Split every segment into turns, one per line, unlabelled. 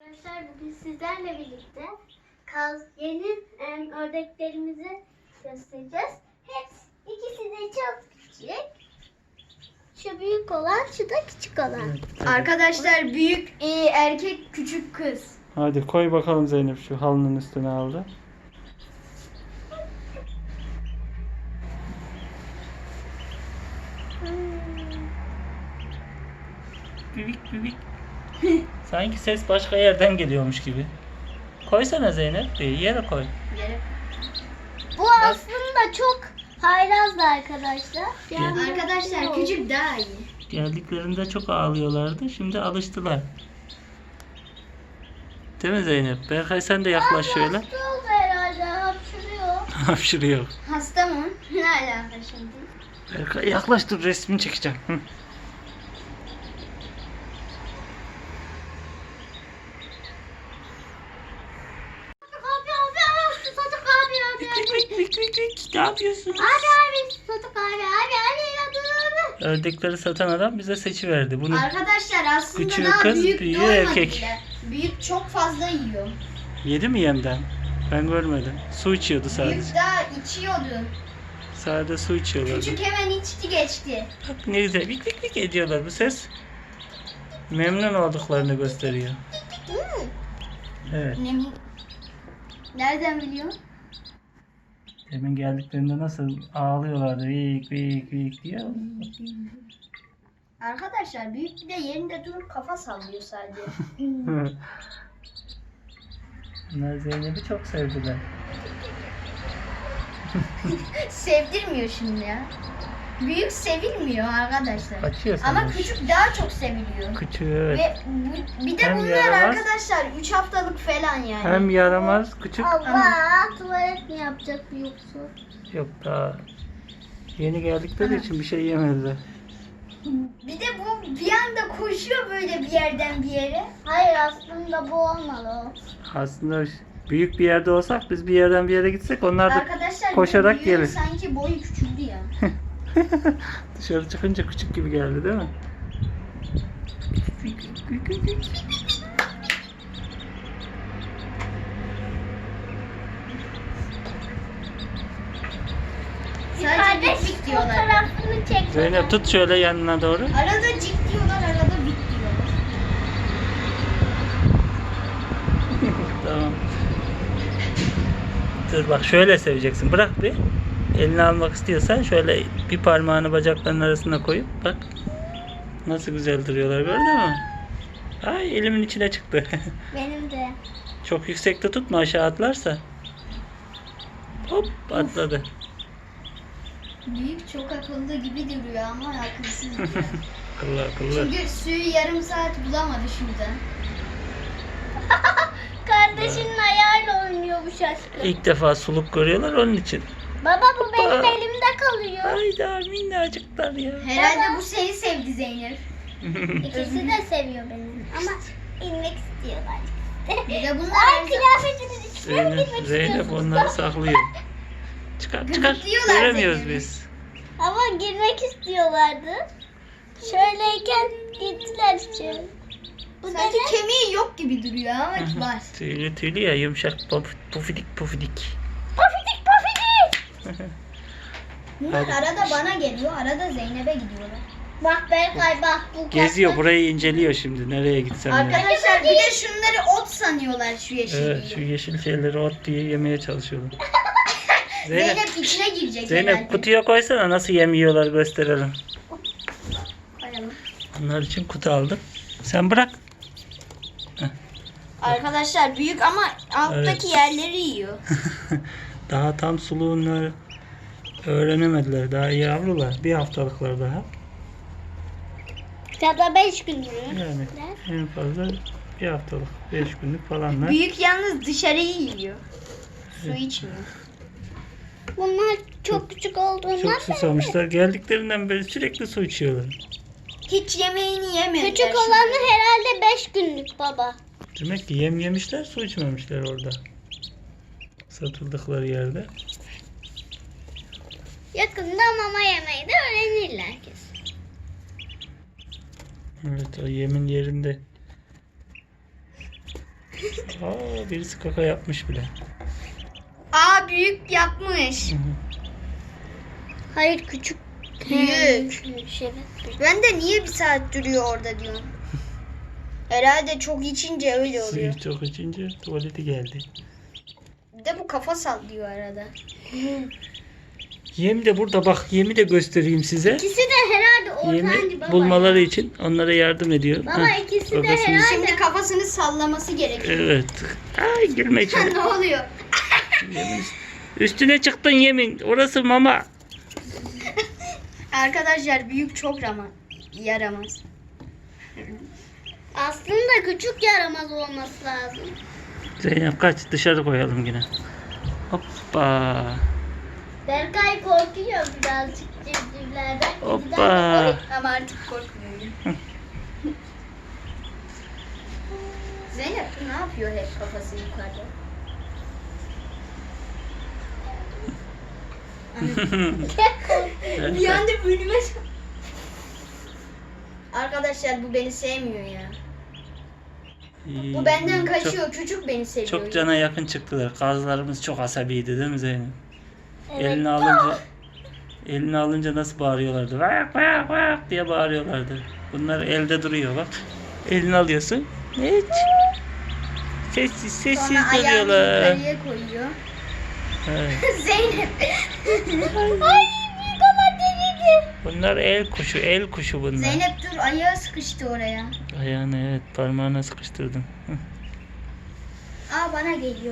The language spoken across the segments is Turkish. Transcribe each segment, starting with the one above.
Arkadaşlar bugün sizlerle birlikte yeni ördeklerimizi göstereceğiz. İkisi de çok küçük. Şu büyük olan, şu da küçük olan.
Evet.
Arkadaşlar büyük erkek, küçük kız.
Hadi koy bakalım Zeynep şu halının üstüne aldı. Büyük büyük. Sanki ses başka yerden geliyormuş gibi. Koysana Zeynep. Bir yere koy.
Bu aslında çok hayrazdı arkadaşlar.
Arkadaşlar küçük daha iyi.
Geldiklerinde çok ağlıyorlardı. Şimdi alıştılar. Değil mi Zeynep? Berkay sen de yaklaş şöyle.
Hasta oldu herhalde, hapşırıyor.
Hapşırıyor.
Hasta mı? Ne alaka şimdi?
Berkay yaklaş, dur resmini çekeceğim. Hı.
Abi, Sadık abi.
Ne yapıyorsun?
Abi, Sadık abi, yardım.
Ördekleri satan adam bize seçiverdi. Bunu
Arkadaşlar aslında
Küçüğü
daha
kız,
büyük
büyüğü
doğmadı
erkek.
bile. Büyük çok fazla yiyor.
yedi mi yemden? Ben görmedim. Su içiyordu sadece.
Büyük daha içiyordu.
Sadece su içiyorlardı.
Küçük hemen içti geçti.
Bak ne güzel vik vik ediyorlar. Bu ses memnun olduklarını gösteriyor. Evet.
Nereden biliyor?
Demin geldiklerinde nasıl ağlıyorlardı. Vik vik vik diye.
Arkadaşlar büyük bir de yerinde durup kafa sallıyor sadece.
Bunlar Zeynep'i çok sevdiler.
Sevdirmiyor şimdi ya. Büyük sevilmiyor arkadaşlar.
Kaçıyor
Ama
sanmış.
küçük daha çok seviliyor.
Küçüğü evet.
Ve bir de
Hem
bunlar
yaramaz,
arkadaşlar 3 haftalık falan yani.
Hem yaramaz küçük.
Allah, tuvalet mi yapacak yoksa?
Yok daha yeni geldikleri için bir şey yemediler.
Bir de bu bir anda koşuyor böyle bir yerden bir yere.
Hayır, aslında bu olmalı.
Aslında büyük bir yerde olsak, biz bir yerden bir yere gitsek, onlar da
Arkadaşlar
koşarak
büyüğün
gelir.
sanki boyu küçüldü ya.
Dışarı çıkınca küçük gibi geldi değil mi?
Sadece bik bik diyorlar.
Fotoğrafını çek.
Zeynep tut şöyle yanına doğru.
Arada cik diyorlar, arada bik diyorlar.
Tamam. Dur bak, şöyle seveceksin. Bırak bir. Elini almak istiyorsan şöyle bir parmağını bacaklarının arasına koyup bak. Nasıl güzel duruyorlar, gördün mü? Ay, elimin içine çıktı.
Benim de.
Çok yüksekte tutma, aşağı atlarsa. Hop, atladı.
Büyük çok akıllı gibi duruyor ama akılsız duruyor.
Akıllı akıllı.
Çünkü suyu yarım saat bulamadı şurada.
Kardeşinin ayağıyla oynuyor bu şaşkın.
İlk defa suluk görüyorlar onun için.
Baba, bu benim
Baba.
elimde kalıyor.
Hayda, minnacıklar ya.
Herhalde bu seni sevdi Zeynep.
İkisi de seviyor beni. Ama inmek istiyorlar.
Bir de bunlar
Ay, kıyafetiniz içine mi girmek
Zeynep
istiyorsunuz?
onları saklıyor. Çıkar çıkar.
Gıdıklıyorlar
Göremiyoruz
Zeynep'i.
biz.
Ama girmek istiyorlardı. Şöyleyken gittiler içeri. Bu
Sanki
da ne?
kemiği yok gibi duruyor ama var.
Tüylü tüylü ya, yumuşak pufidik pufidik.
Pofidik pofidik.
Bunlar
Hadi.
arada bana geliyor, arada Zeynep'e gidiyorlar.
Bak Berkay, bak bu
Geziyor,
kapı.
burayı inceliyor şimdi, nereye gitsem ya.
Arkadaşlar bir de şunları ot sanıyorlar şu yeşilliği.
Evet, şu yeşil şeyleri ot diye yemeye çalışıyorlar.
Zeynep içine girecek
Zeynep
herhalde.
kutuya koysana, nasıl yemiyorlar gösterelim.
Koyalım.
Onlar için kutu aldım. Sen bırak.
Arkadaşlar büyük ama alttaki yerleri yiyor.
Daha tam suluğunu öğrenemediler. Daha yavrular. Bir haftalıklar daha.
Ya da 5 günlük.
Yani en fazla bir haftalık. 5 günlük falanlar.
Büyük yalnız dışarıyı yiyor. Su içmiyor.
Bunlar çok küçük olduğundan
Çok susamışlar. Geldiklerinden beri sürekli su içiyorlar.
Hiç yemeğini yemediler.
küçük olanı herhalde 5 günlük baba.
Demek ki yem yemişler, su içmemişler orada. Satıldıkları yerde.
Yakında mama yemeyi de öğrenirler kesin.
Evet, o yemin yerinde Birisi kaka yapmış bile.
Aa, büyük yapmış.
Hayır küçük.
Büyük.
Evet.
Ben de niye bir saat duruyor orada diyorum. Herhalde çok içince öyle oluyor.
Suyu çok içince tuvaleti geldi.
Bir de bu kafa sallıyor arada.
Yem de burada bak, yemi de göstereyim size.
İkisi de herhalde ortancı
Yemi
baba.
bulmaları için onlara yardım ediyor.
Baba
Heh,
ikisi de
babasını-
herhalde.
Şimdi kafasını sallaması gerekiyor.
Evet. Ay girme içeri.
Ne oluyor?
Yemin- Üstüne çıktın yemin. Orası mama.
Arkadaşlar büyük çok yaramaz.
Aslında küçük yaramaz olması lazım.
Zeynep kaç, dışarı koyalım yine. Hoppa.
Berkay korkuyor birazcık civcivlerden.
Hoppa.
Ama artık korkmuyorum. Zeynep bu ne yapıyor hep kafası yukarıda? Bir anda önüme... Arkadaşlar bu beni sevmiyor ya. Bu benden kaçıyor. Küçük beni seviyor.
Çok cana yakın çıktılar. Kazlarımız çok asabiydi değil mi Zeynep?
Evet.
Elini alınca nasıl bağırıyorlardı? Vak vak vak diye bağırıyorlardı. Bunlar elde duruyor bak. Elini alıyorsun. Hiç. Sessiz
Sonra ayağını
duruyorlar.
yukarıya koyuyor.
Evet.
Zeynep.
Ay büyük ama deliydi.
Bunlar el kuşu bunlar.
Zeynep dur, ayağı sıkıştı oraya.
Ayağını evet parmağına sıkıştırdım. Hı.
Aa, bana geliyor.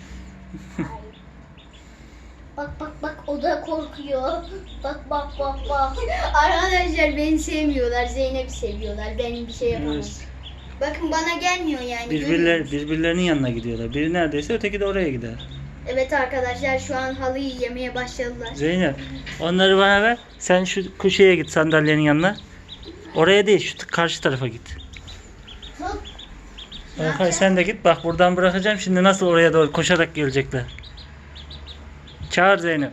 Bak bak bak o da korkuyor. Bak bak bak bak.
Arkadaşlar beni sevmiyorlar. Zeynep'i seviyorlar. Benim bir şey yapamam.
Evet.
Bakın bana gelmiyor yani. görüyor musun?
Birbirlerinin yanına gidiyorlar. Biri neredeyse öteki de oraya gider.
Evet arkadaşlar şu an halıyı yemeye başladılar.
Zeynep onları bana ver. Sen şu köşeye git, sandalyenin yanına. Oraya değil, şu karşı tarafa git.
Tut.
Berkay sen de git. Bak buradan bırakacağım. Şimdi nasıl oraya doğru koşarak gelecekler. Çağır Zeynep.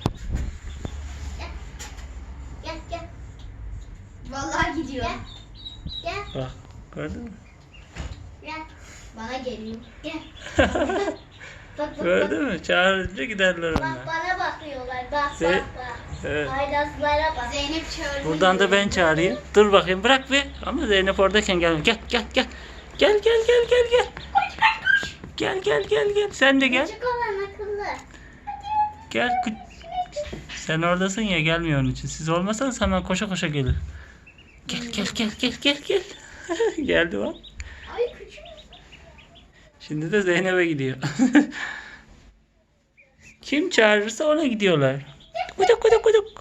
Gel gel
Vallahi gidiyor.
gel
Bak gördün mü?
gel.
Bana geliyor.
Gel. Bak bak
Gördün mü? Çağırınca giderler
bak.
onlar.
Bak bana bakıyorlar. Bak
Ze-
bak bak.
Evet.
Haydaslara bak.
Zeynep çağırdı.
Buradan da ben çağırayım. Dur bakayım bırak bir. Ama Zeynep oradayken gel. Gel gel gel. Gel gel gel gel gel. Gel gel gel gel. Sen de gel.
Küçük olan akıllı.
Gel. Sen oradasın ya, gelmiyor onun için. Siz olmasanız hemen koşa koşa gelir. Gel gel gel gel gel gel. Geldi bak.
Ay küçük.
Şimdi de Zeynep'e gidiyor. Kim çağırırsa ona gidiyorlar. Kuduk kuduk kuduk.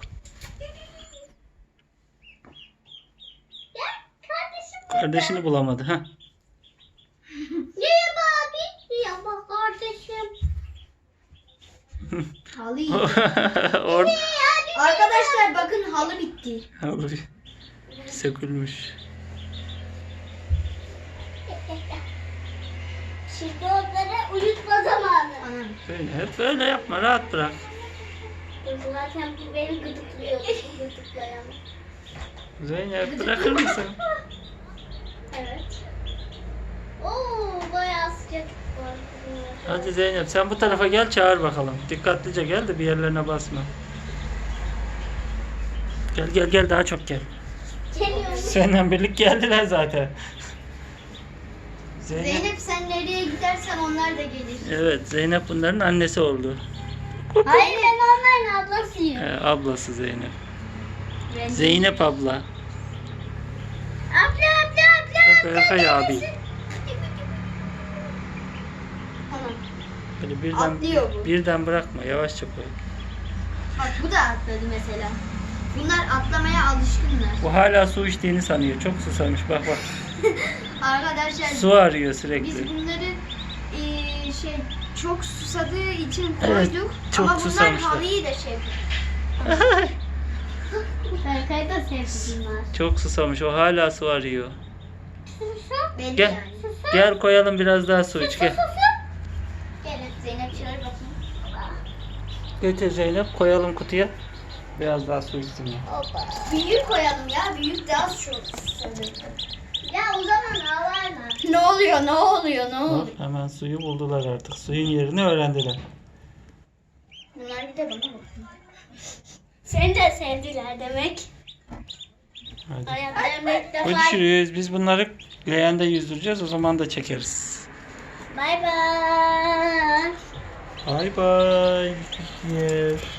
Gel kardeşim.
Kardeşini bulamadı ha.
Merhaba abi. Merhaba kardeşim.
Halı yiyor.
Orada
Arkadaşlar bakın halı bitti.
sökülmüş.
Şimdi onları uyutma zamanı.
Anam.
Hep böyle yapma, rahat bırak.
Zaten bu beni gıdıklıyor. Gıdıklayan.
Zeynep bırakır mısın?
Evet. Oo bayağı sıcak var.
Hadi Zeynep sen bu tarafa gel, çağır bakalım. Dikkatlice gel de bir yerlerine basma. Gel gel gel, daha çok gel.
Geliyorum.
Seninle birlik geldiler zaten.
Zeynep sen nereye gidersen onlar da gelir.
Evet, Zeynep bunların annesi oldu.
Hayır ben onların ablasıyım.
Ablası Zeynep.
Ben-
Zeynep abla.
Abla abla abla.
Berkay abi.
Anam.
Böyle birden,
Atlıyor bu.
birden bırakma, yavaşça koy.
Bak bu da atladı mesela. Bunlar atlamaya alışkınlar.
Bu hala su içtiğini sanıyor. Çok susamış. Bak bak.
Arkadaşlar
Su arıyor
biz
sürekli.
bunları çok susadığı için
Evet,
koyduk.
çok
Ama bunlar
susamışlar.
halıyı da şey yapıyor.
Berkay da sevdi bunlar.
Çok susamış. O hala su arıyor.
Belli
Gel.
yani.
Gel koyalım biraz daha su iç. Gel.
Gelin Zeynep çağır bakayım.
Getir Zeynep, koyalım kutuya. Biraz daha su içsin ya.
Hoppa.
Büyük koyalım ya. Büyük daha çok susadı.
Ya o zaman ağlarlar.
Ne oluyor? Ne oluyor? Ne oluyor?
Bak, hemen suyu buldular artık. Suyun yerini öğrendiler.
Bunlar bir de bana bakıyor.
Seni de sevdiler demek.
Hadi.
Hayatlarında ilk defa.
Görüşürüz. Biz bunları leğende yüzdüreceğiz. O zaman da çekeriz.
Bay bay.
Bay bay. Yer.